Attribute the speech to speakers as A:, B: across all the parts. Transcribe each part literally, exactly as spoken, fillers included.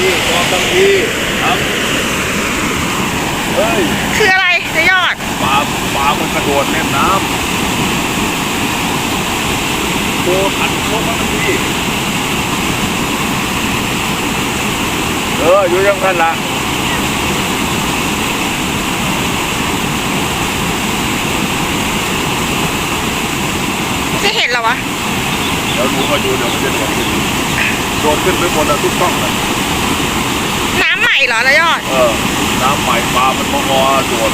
A: ทีกองทัพทีครับเฮ้ย
B: คืออะไรนายยอด
A: ปลาปลามันกระโดดเล่นน้ำโคทันโคทันทีเอออยู่ยังกันละ
B: จะเห็นเหรอวะ
A: เดี๋ยวดูมาดูเดี๋ยวมันจะโดดขึ้นโดดขึ้นไปบนทุกช่องเลย
B: น้ำใหม่เหรอนายยอด
A: เออน้ำใหม่ปลามันมองอโดด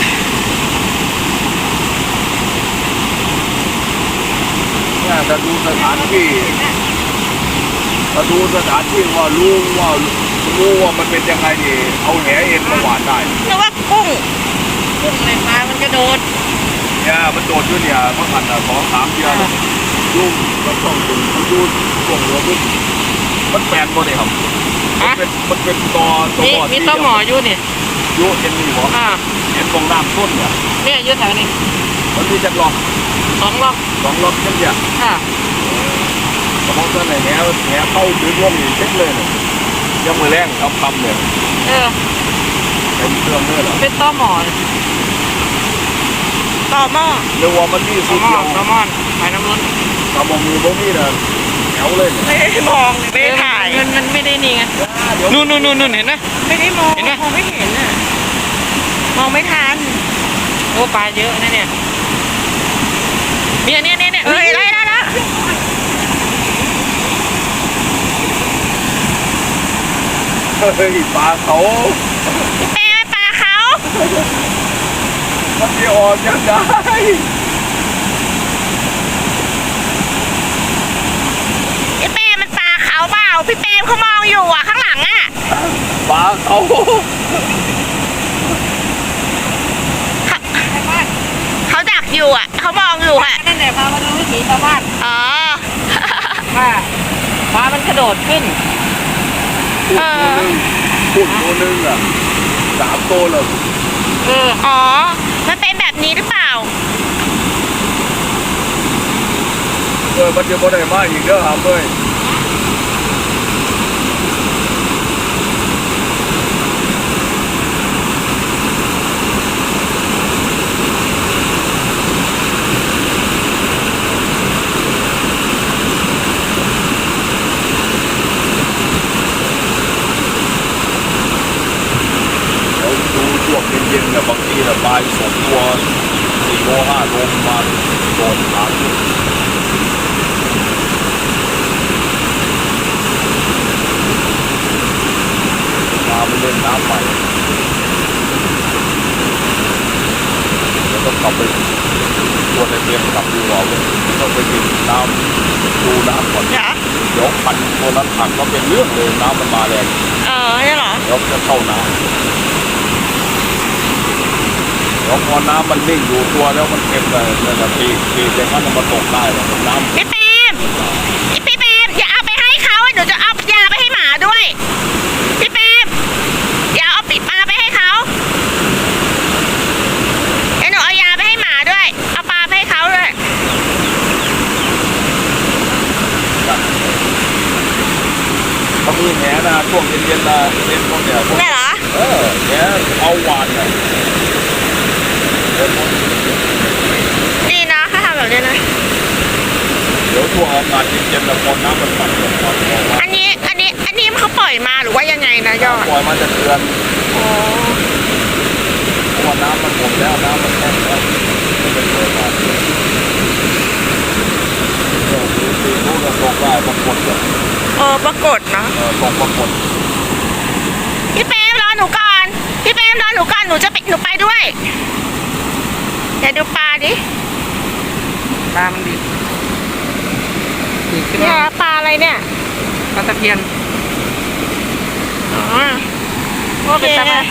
A: เนี่ยถ้าดูสถานที่ถ้าดูสถานที่ว่ารู้ว่ารู้ว่ามันเป็นยังไงนี่เอาแหเอ็นมาหวานได้
B: นึกว่ากุ้งกุ้งในปลามันกระโดด
A: เนี่ยมันโดดอยู่เนี่ยเมื่อพันอ่ะสองสามเดือนยุ่งมันต้องถึงมันยุ่งช่วงหัวมึงมันแปลนบ่ได้ครับมันเป็นมันเป็นตอตอ
B: มีตอหมออยู่นี่
A: ยุ่งเอ็นนี่หรอเอ็นตรงน้ำต้นเนี่ย
B: เนี่ยยุ่งแถวนี้
A: มันมีจักรล็อก
B: สองล็อก
A: สองล็อกจังเนี่ย
B: ค่ะ
A: สมองตัวไหนแหวแหวเข้าดึงลงนี่เช็คเลยเนี่ยยังมือแรงทำคำเนี่ย
B: เออ
A: เป็นเครื่องเลยเหรอ
B: เป็นตอหมอตอหม้อ
A: เรือว่ามันมี
B: สุดยอดตอหม้อหายน้ำล้น
A: ตอหม้อมือบ่มีนะแถวเลย
B: ไม่ได้มองไม่ได้ถ่ายเงินมันไม่ได้นี่ไงนู่นนู่นนู่นเห็นไหมไม่ได้มองเห็นไหมมองไม่เห็นอ่ะมองไม่ทันโอ้ปลาเยอะนะเนี่ยเนี่ยเนี่ยเนี่ยเอ้ยได้ได้แล้ว
A: เฮ้ยปลาเขา
B: แม่ปลาเขา
A: มันจะออกยังไง
B: พี่เป้มันปลาเขาเปล่าพี่เป้เขามองอยู่อ่ะข้างหลังอ่ะ
A: ปลาเขา
B: เขาดักอยู่อ่ะเขามองอยู่อ่ะ
C: นั่นแหละปลามันรู้วิถีชาวบ้าน
B: อ๋อ
C: ว่าปลามันกระโดดขึ้น
B: เออ
A: พูดตัวนึงอ่ะสามตัวเลย
B: เอออ๋อมันเป็นแบบนี้หรือเปล่า
A: เออมันจะบ่ได้มาอีกเด้อครับเว้ยเย็นๆนะบางทีนะปลายสองตัวสี่โลห้าโลมาโดนขาขึ้นมาไปเล่นน้ำใหม่แล้วต้องกลับไปตัวในเตียงกลับดูเอาเลยต้องไปกินน้ำดูน้ำก่อนเดี๋ยวพันตัวนั้นผักก็เป็นเรื่องเลยน้ำมันมาแรง
B: เออใช่เหรอ
A: เดี๋ยวจะเข้าน้ำแล้วพอน้ำมันนิ่งอยู่ตัวแล้วมันเค็มเลยนั่นแหละปีปีแต่งั้นมันตกได้แล้วน้ำ
B: พี่เปมพี่เปมอย่าเอาไปให้เขาหนูจะเอายาไปให้หมาด้วยพี่เปมอย่าเอาปิดปลาไปให้เขาเดี๋ยวหนูเอายาไปให้หมาด้วยเอาปลาไปให้เขาด้วย
A: เขามีแหนะช่วงเย็นๆนะเล่นพวกเนี้ย
B: นี่เหรอ
A: เออแหเอาหวานเลย
B: ดีนะถ้าทำแบบนี้นะ
A: เดี๋ยวช่วงอากาศเย็นๆแล้วพอน้ำมันปั่นมันปั่น
B: อันนี้อันนี้อันนี้เขาปล่อยมาหรือว่ายังไงนะยอด
A: ปล่อยมาจะเดือน
B: โอ้
A: เพราะว่าน้ำมันหมดแล้วน้ำมันแห้งแล้วมันเป็นเลยมาเดี๋ยวดูสิรู้เราตกได้ปรากฏเลย
B: เออปรากฏนะ
A: เออตกปรากฏ
B: พี่เป๊มรอหนูก่อนพี่เป๊มรอหนูก่อนหนูจะไปหนูไปด้วยเดี๋ยวดูปลาดิ
C: ปลามันดี
B: เนี่ยปลาอะไรเนี่ย
C: ปลาตะเพียน
B: อ๋อโอเค